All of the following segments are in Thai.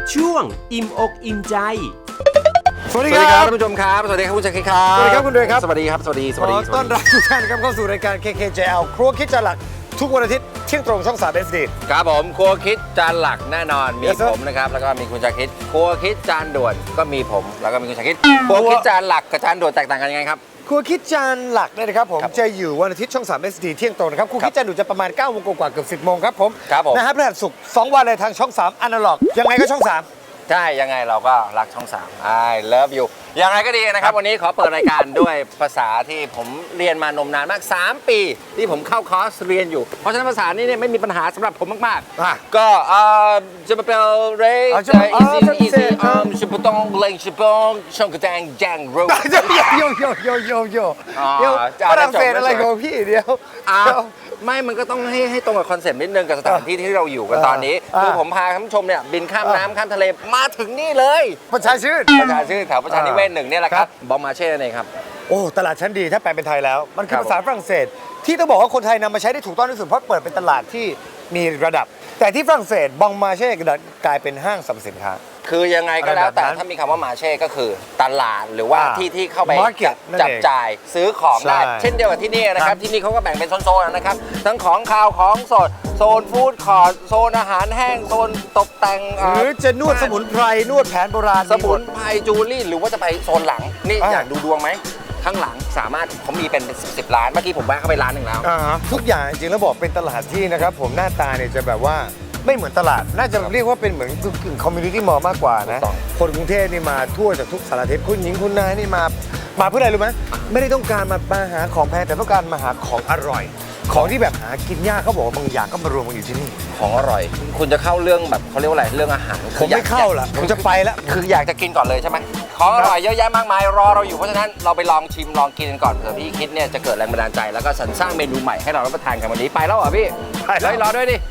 ช่วงอิ่มอกอิ่มใจสวัสดีครับท่านผู้ชมครับสวัสดีครับคุณชักคิดครับสวัสดีครับคุณเดยครับสวัสดีครับสวัสดีขอต้อนรับทุกท่านครับเข้าสู่รายการ KKJL ครัวคิดจานหลักทุกวันอาทิตย์เที่ยงตรงช่อง3 SD ครับผมครัวคิดจานหลักแน่นอนมี Yes, sir. ผมนะครับแล้วก็มีคุณชักคิดครัวคิดจานด่วนก็มีผมแล้วก็มีคุณชักคิดครัวคิดจานหลักกับจานด่วนแตกต่างกันยังไงครับครัวคิดจานหลักเนี่ยนะครับผมครับจะอยู่วันอาทิตย์ช่อง3 SD เที่ยงตรงนะครับครัวคิดจานด่วนจะประมาณ9 โมงกว่าๆเกือบ10 โมงครับผมครับผมนะฮะพฤหัสศุกร์2 วันเลยทางช่อง3อนาล็อกยังไงก็ช่อง3 ใช่ยังไงเราก็รักช่อง3 I love you ยังไงก็ดีนะครับวันนี้ขอเปิดรายการด้วยภาษาที่ผมเรียนมานมนานมาก3 ปีที่ผมเข้าคอร์สเรียนอยู่เพราะฉะนั้นภาษานี้เนี่ยไม่มีปัญหาสำหรับผมมากอ่ะๆก็จะมาเป็นเรย์จะมา easy ชิบปองเลงชิบปองช่องกระแจงแจงรูโยฝรั่งเศสอะไรของพี่เดียวไม่มันก็ต้องให้ตรงกับคอนเซ็ปต์นิดนึงกับสถานที่ที่เราอยู่กันตอนนี้คือผมพาท่านผู้ชมเนี่ยบินข้ามน้ำข้ามทะเลมาถึงนี่เลยประชาชื่นประชาชื่นแถวประชานิเวศ1เนี่ยแหละครับบองมาเช่นั่นเองครับโอ้ตลาดชั้นดีถ้าแปลเป็นไทยแล้ว มันคือครับภาษาฝรั่งเศส ที่ต้องบอกว่าคนไทยนำมาใช้ได้ถูกต้องที่สุดเพราะเปิดเป็นตลาดที่มีระดับ แต่ที่ฝรั่งเศสบองมาเช่กลายเป็นห้างสรรพสินค้าคือยังไงก็แล้วแต่อะไรแบบนั้นถ้ามีคำว่ามาเช่ก็คือตลาดหรือว่าที่เข้าไป Market นั่นเองจับจ่ายซื้อของได้ใช่เช่นเดียวกับที่นี่นะคครัรับบ ที่นี่เขาก็แบ่งเป็นโซนๆนะครับทั้งของคาวของสดโซนฟู้ดคอร์ทโซนอาหารแห้งโซนตกแต่งหรือจะนวดสมุนไพรนวดแผนโบราณสมุนไพรจูเลี่หรือว่าจะไปโซนหลังนี่อ่าอยากดูดวงไหมข้างหลังสามารถเขามีเป็น10 ล้านเมื่อกี้ผมแวะเข้าไปร้านหนึ่งแล้วทุกอย่างจริงๆแล้วบอกเป็นตลาดที่นะครับผมหน้าตาเนี่ยจะแบบว่าไม่เหมือนตลาด น่าจะเรียกว่าเป็นเหมือนกึ่งคอมมูนิตี้มอลล์มากกว่านะถูกต้องคนกรุงเทพนี่มาทั่วจากทุกสารทิศคุณหญิงคุณนายนี่มาเพื่ออะไรรู้ไหมไม่ได้ต้องการมาหาของแพงแต่ต้องการมาหาของอร่อย ของที่แบบหากินยากเขาบอกว่าบางอย่างก็มารวมกันอยู่ที่นี่ของอร่อย คุณจะเข้าเรื่องแบบเขาเรียกว่าอะไรเรื่องอาหารผมไม่เข้าละผมจะไปแล้วคืออยากจะกินก่อนเลยใช่ไหมของอร่อยเยอะแยะมากมายรอเราอยู่เพราะฉะนั้นเราไปลองชิมลองกินกันก่อนเผื่อพี่คิดเนี่ยจะเกิดแรงบันดาลใจแล้วก็สรรสร้างเมนูใหม่ให้เรารับประทานกันวันนี้ไปแล้วเหรอพี่ไปแล้วเฮ้ยรอด้วยดิ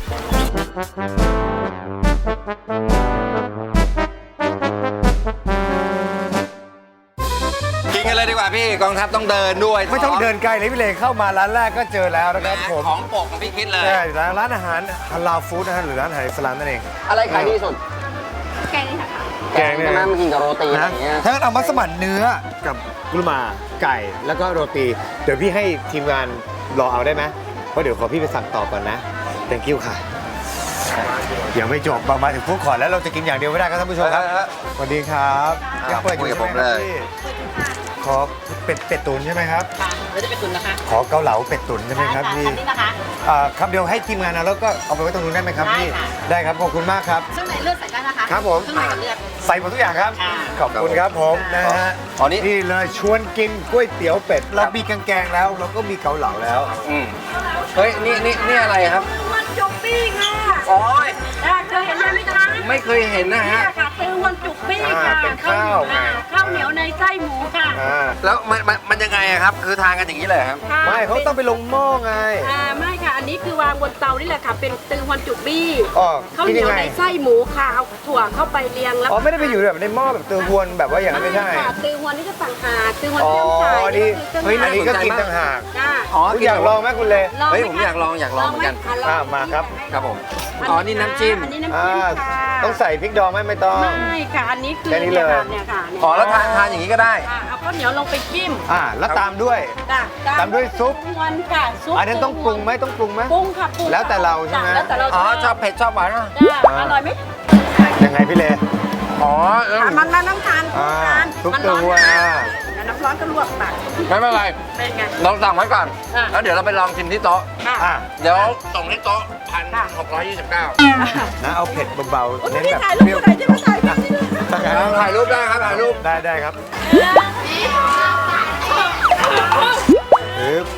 กินกันเลยดีกว่าพี่กองทัพต้องเดินด้วยไม่ต้องเดินไกลเลยพี่เลเข้ามาร้านแรกก็เจอแล้วนะครับผมของโปรดของพี่คิดเลยใช่ร้านอาหารฮาลาลฟู้ดนะฮะหรือร้านอาหารอิสลามนั่นเองอะไรขายดีสุดแกงนี่ค่ะแกงเนี่ยใช่ไหมมันกินกับโรตีอะไรนะอย่างเงี้ยถ้างั้นเอามัสมั่นเนื้อกับกุลมาไก่แล้วก็โรตี เดี๋ยวพี่ให้ทีมงานรอเอาได้ไหมเพราะเดี๋ยวขอพี่ไปสั่งต่อก่อนนะ thank you ค่ะยังไม่จบมาถึงฟู้ดคอร์ทแล้วเราจะกินอย่างเดียวไม่ได้ครับท่านผู้ชมครับสวัสดีครับยังเปิดอยู่ใช่ไหมครับพี่ขอเป็ดตุ๋นใช่ไหมครับค่ะแล้วจะเป็นตุนนะคะขอเกาเหลาเป็ดตุ๋นใช่ไหมครับพี่อันนี้นะคะครับเดี๋ยวให้ทีมงานเอาแล้วก็เอาไปไว้ตรงนู้นได้ไหมครับพี่ได้ค่ะได้ครับขอบคุณมากครับเครื่องในเลือดใส่ได้นะคะครับผมเครื่องในกับเลือดใส่หมดทุกอย่างครับค่ะขอบคุณครับผมนะฮะอ๋อนี่นี่เลยชวนกินก๋วยเตี๋ยวเป็ด เรามีแกงแล้ว เราก็มีเกาเหลาแล้วเฮ้ยนี่อะไรครับวันจุกปี้ค่ะโอ้ยเคยเห็นไหมคะไม่เคยเห็นนะฮะเนี่ยค่ะตือวันจุกปี้ค่ะเป็นข้าวไงข้าวเหนียวในไส้หมูค่ะแล้วมันยังไงอะครับ คือทานกันอย่างนี้เลยครับค่ะไม่เขาต้องไปลงหม้อไงไม่ค่ะ อันนี้คือวางบนเตานี่แหละค่ะ เป็นตือวันจุกบี้อ๋อข้าวกินเหนียัยวงไงในไส้หมูค่ะ เอาถั่วเข้าไปเรียงแล้วอ๋อไม่ได้ไปอยู่แบบในหม้อแบบเตือหวนแบบว่าอย่างนั้นไม่ใช่ค่ะตือวันนี่จะต่างหากตือวันอ๋อเชื่อมสายนี่ก็คือเฮ้ยเคอัรื่นองนี้ก็กินต่างหากจ้าอ๋อคุณอยากลองไหมคุณเลเฮ้ยผมอยากลองเหมือนกันมาครับครับผม อ๋อ นี่น้ำจิ้มอันนี้น้ำจิ้มค่ะต้องใส่พริกดองไหมไม่ต้องไม่ค่ะ อันนี้คือแค่นี้เลยเนี่ยค่ะอ๋อ แล้วทานอย่างนี้ก็ได้เอาข้าวเหนียวลงไปจิ้มแล้วตามด้วยจ้ะตามด้วยซุปวันค่ะซุปอันนั้นต้องปรุงไหมต้องปรุงไหมปรุงค่ะปรุงแล้วแต่เราใช่ไหมจ้ะแล้วแต่เราอ๋อ ชอบเผ็ดชอบหวานอ่ะจ้ะอร่อยไหมยังไงพี่เลอ๋อมันต้องทานซุปมันเตือหวนแล้วน้ำร้อนก็ลวกปากไม่เป็นไรเป็นไงเราสั่งไว้ก่อนอ่ะแล้วเดี๋ยวเราไปลองชิมที่โต๊ะค่ะเดี๋ยวส่งที่โต๊ะ1,629 นะเอาเผ็ดเบาโอ้ๆยเน้นนี่แบบถ่ายรูปคนไหนจะมาถ่ายรูปนี่ด้วยถ่ายรูปได้ครับ ถ่ายรูปได้ครับปึ๊บ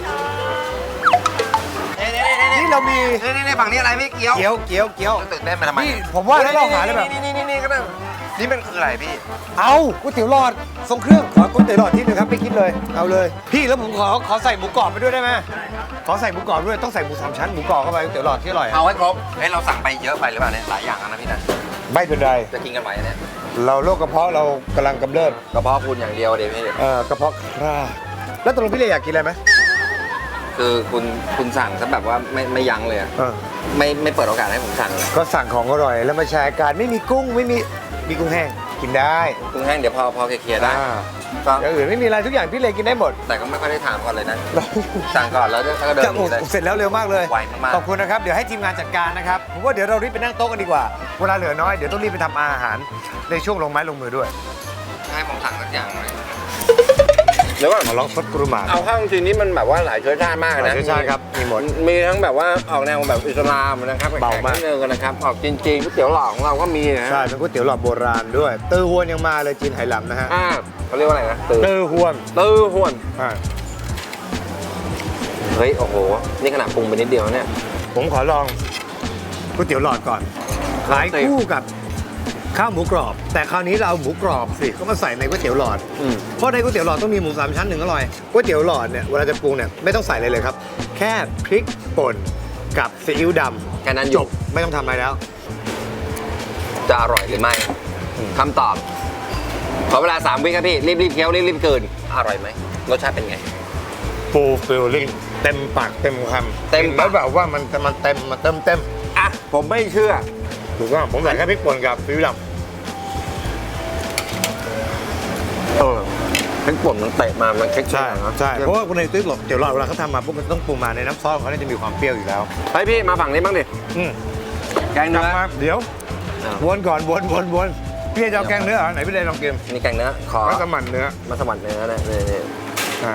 นี่เรามีนี่ฝั่งนี้อะไรพี่ เกี๊ยวเกี๊ยวตื่นเต้นมาทำไมนี่ผมว่าแล้วเราหาเลยแบบนี่ก็ได้นี่มันคืออะไรพี่เอาก๋วยเตี๋ยวหลอดทรงเครื่องขอก๋วยเตี๋ยวหลอดที่หนึงครับไม่คิดเลยเอาเลย พี่แล้วผมขอใส่หมูกรอบไปด้วยได้ไหมขอใส่หมูกรอบด้วยต้องใส่หมู3 ชั้นหมูกรอบเข้าไปก๋วยเตี๋ยวหลอดที่อร่อยเอาให้ครบเฮ้ยเราสั่งไปเยอะไปหรือเปล่าเนี่ยหลายอย่างแล้วนะพี่นะไม่เป็นไรจะกินกันไหวเนี่ยเราโรคกระเพาะเรากำลังกำเริบกระเพาะคุณอย่างเดียวเดี๋ยวพี่กระเพาะคร่าแล้วตกลงพี่เลยอยากกินอะไรไหมคือคุณสั่งซะแบบว่าไม่ยั้งเลยอะเออไม่เปิดโอกาสให้ผมสั่งเลยก็สั่งของอร่อยแล้วมาแชร์กันไม่มีกุ้งไม่มีกุ้งแห้งกินได้กุ้งแห้งเดี๋ยวพอเคลียร์ได้อ่าก็อย่างอื่นไม่มีอะไรทุกอย่างพี่เลกินได้หมดแต่ก็ไม่ค่อยได้ถามก่อนเลยนะ สั่งก่อนแล้วก็เดินจะหนีเลยเสร็จแล้วเร็วมากเลยไวมากๆขอบคุณนะครับเดี๋ยวให้ทีมงานจัดการนะครับผมว่าเดี๋ยวเรารีบไปนั่งโต๊ะกันดีกว่าเวลาเหลือน้อยเดี๋ยวต้องรีบไปทำอาหารในช่วงลงไม้ลงมือด้วยให้ผมสั่งสักอย่างเลยเดี๋ยวก่อนมาลองซดกรุมาเอาเข้าจริงๆนี่มันแบบว่าหลายเชื้อชาติมากหลานะยเชื้อชาติครับมีหมดมีทั้งแบบว่าออกแนวแบบอิสลามนะครับเบามากแข็งๆนิดนึงนะครับออกจีนๆก๋วยเตี๋ยวหลอดของเราก็มีนะใช่เป็นก๋วยเตี๋ยวหลอดโบราณด้วยเตอร์ฮวนยังมาเลยจีนไหหลำนะฮะเขาเรียกว่าอะไรนะเตอร์ฮวนตื้อหวนอ่าเฮ้ยโอ้โหนี่ขนาดปรุงไปนิดเดียวเนี่ยผมขอลองก๋วยเตี๋ยวหลอดก่อนขายคู่กับข้าวหมูกรอบ แต่คราวนี้เราเอาหมูกรอบสิก็มาใส่ในก๋วยเตี๋ยวหลอด เพราะในก๋วยเตี๋ยวหลอดต้องมีหมูสามชั้นหนึ่งอร่อยก๋วยเตี๋ยวหลอดเนี่ยเวลาจะปรุงเนี่ยไม่ต้องใส่อะไรเลยครับ แค่พริกป่นกับซีอิ๊วดำแค่นั้นจบไม่ต้องทำอะไรแล้วจะอร่อยหรือไม่คำตอบขอเวลา3 วิครับพี่รีบๆเคี้ยวรีบๆกลืนอร่อยไหมรสชาติเป็นไงฟูลฟิลลิ่งเต็มปากเต็มคำเต็มปากแล้วแบบว่ามันเต็มมันเต็มอ่ะผมไม่เชื่อถูกต้องผมใส่แค่พริกป่นกับซีอิ๊วดำพริกป่นมันเตะมามันเค็กใช่นะใช่เพราะว่าในก๋วยเตี๋ยวหลอดเวลาเขาทำมาปุ๊บมันต้องปรุงมาในน้ำซอสของเขาเนี่ยจะมีความเปรี้ยวอยู่แล้วเฮ้ยพี่มาฝั่งนี้บ้างดิอืมแกงเนื้อมาเดี๋ยวอ้าววนก่อนวนพี่จะเอาแกงเนื้อเหรอไหนพี่เลยลองกินนี่แกงเนื้อขอมัสมั่นเนื้อมาสมัครเนื้อนะนี่อ่า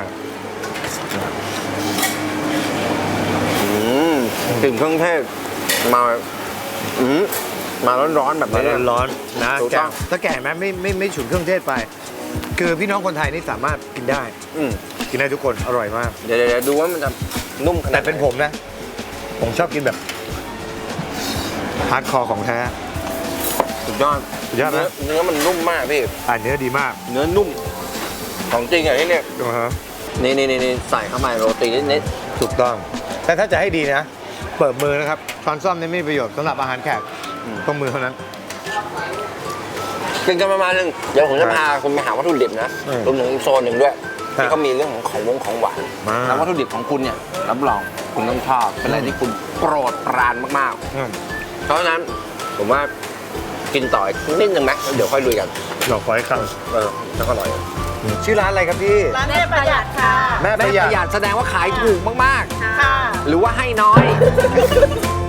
กลิ่นเครื่องเทศมามาร้อนๆแบบมานี้ร้อนๆนะถูกแกต้องถ้าแก่ไหมไม่ฉุนเครื่องเทศไป คือพี่น้องคนไทยนี่สามารถกินได้ กินได้ทุกคนอร่อยมากเดี๋ยวดูว่ามันจะนุ่มขนาแต่ดไหเป็นผมนะ ผมชอบกินแบบฮาร์ดคอร์ของแท้สุดยอดสุดยอดนะเนื้อมันนุ่มมากพี่เนื้อดีมากเนื้อนุ่มของจริงอ่ะที่เนี่ยนะฮะนี่ใส่เข้ามาโรตีนิดถูกต้อง แต่ถ้าจะให้ดีนะ เปิดมือนะครับช้อนส้อมนี่ไม่มีประโยชน์สำหรับอาหารแขกต้องมือเท่านั้นกินกันประมาณนึงเดี๋ยวผมจะพาคุณไปหาวัตถุดิบนะ รวมถึงอีกโซนหนึ่งด้วยครับที่เขามีเรื่องของหวานมาแล้ววัตถุดิบของคุณเนี่ยรับรองคุณต้องชอบเป็นอะไรที่คุณโปรดปรานมากอืมๆ เพราะฉะนั้นผมว่ากินต่ออีกนิดนึงไหมแล้วเดี๋ยวค่อยลุยกันหลอกไว้ครับแล้วก็อร่อยชื่อร้านอะไรครับพี่ร้านแม่ประหยัดค่ะแม่แม่ประปหยัดระหยัดแสดงว่าขายถูกมากค่ะๆ หรือว่าให้น้อย